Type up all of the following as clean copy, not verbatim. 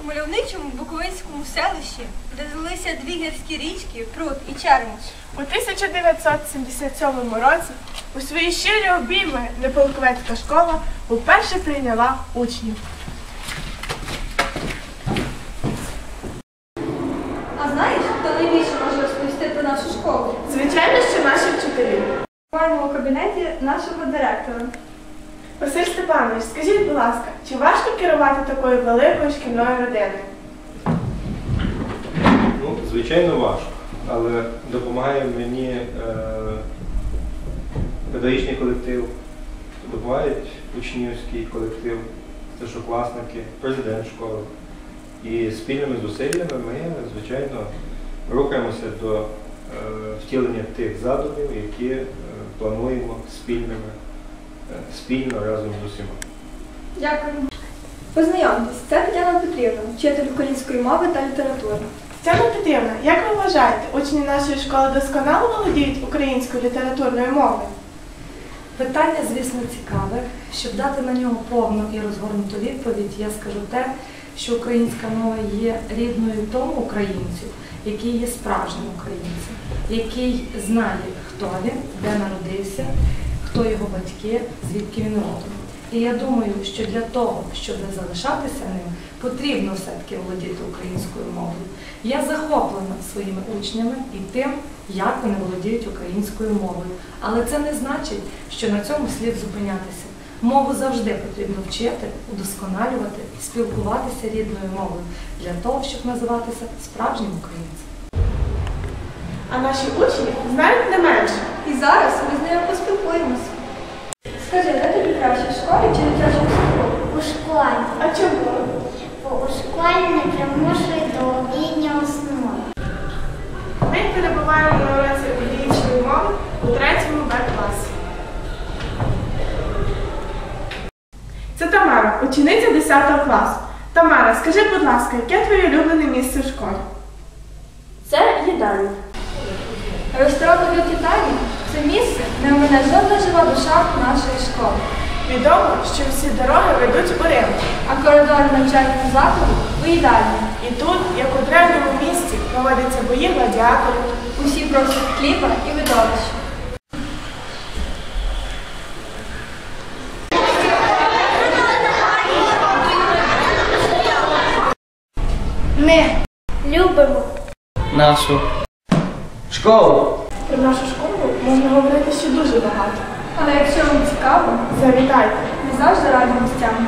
мальовничому буковинському селищі, де злилися дві гірські річки Прут і Чермош. У 1977 році у свої щирі обійми Неполковецька школа вперше прийняла учнів. А знаєш, хто найбільше може розповісти про нашу школу? Звичайно, що наші вчителі. Маємо у кабінеті нашого директора. Василь Степанович, скажіть, будь ласка, чи важко керувати такою великою шкільною родиною? Ну, звичайно, важко, але допомагає мені педагогічний колектив, допомагають учнівський колектив, старшокласники, президент школи. І спільними зусиллями ми, звичайно, рухаємося до втілення тих задумів, які плануємо спільно разом з усіма. Дякую. Познайомтесь, це Тетяна Петрівна, вчитель української мови та літератури. Тетяна Петрівна, як ви вважаєте, учні нашої школи досконало володіють українською літературною мовою? Питання, звісно, цікаве. Щоб дати на нього повну і розгорнуту відповідь, я скажу те, що українська мова є рідною тому українцю, який є справжнім українцем, який знає, хто він, де народився, хто його батьки, звідки він родом. І я думаю, що для того, щоб не залишатися ним, потрібно все-таки володіти українською мовою. Я захоплена своїми учнями і тим, як вони володіють українською мовою. Але це не значить, що на цьому слід зупинятися. Мову завжди потрібно вчити, удосконалювати, спілкуватися рідною мовою для того, щоб називатися справжнім українцем. А наші учні знають не менше. І зараз ми з нею поспілкуємося. Скажи, де тобі краще, в школі чи в дитячому садку? У школі. А чому? Бо у школі не примушують до обіднього сну. Ми перебуваємо на уроці української мови у 3-му Б-класі. Це Тамара, учениця 10 класу. Тамара, скажи, будь ласка, яке твоє улюблене місце в школі? Це їдальня. Ресторан «Люті Тані» – це місце, де мене жодна жива душа нашої школи. Відомо, що всі дороги ведуть у Рим. А коридори навчального закладу – у їдальні. І тут, як у древньому місті, проводяться бої гладіаторів. Усі просять хліба і видовища. Ми любимо нашу школу. Про нашу школу можна говорити ще дуже багато. Але якщо вам цікаво, Завітайте. ми завжди раді гостям.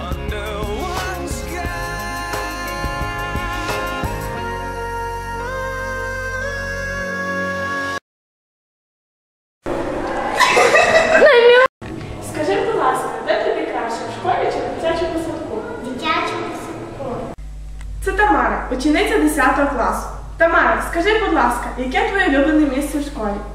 Скажи, будь ласка, де тобі краще, в школі чи в дитячому садку? в дитячому садку. Це Тамара, учениця 10 класу. Тамара, скажи, будь ласка, яке твоє улюблене місце в школі?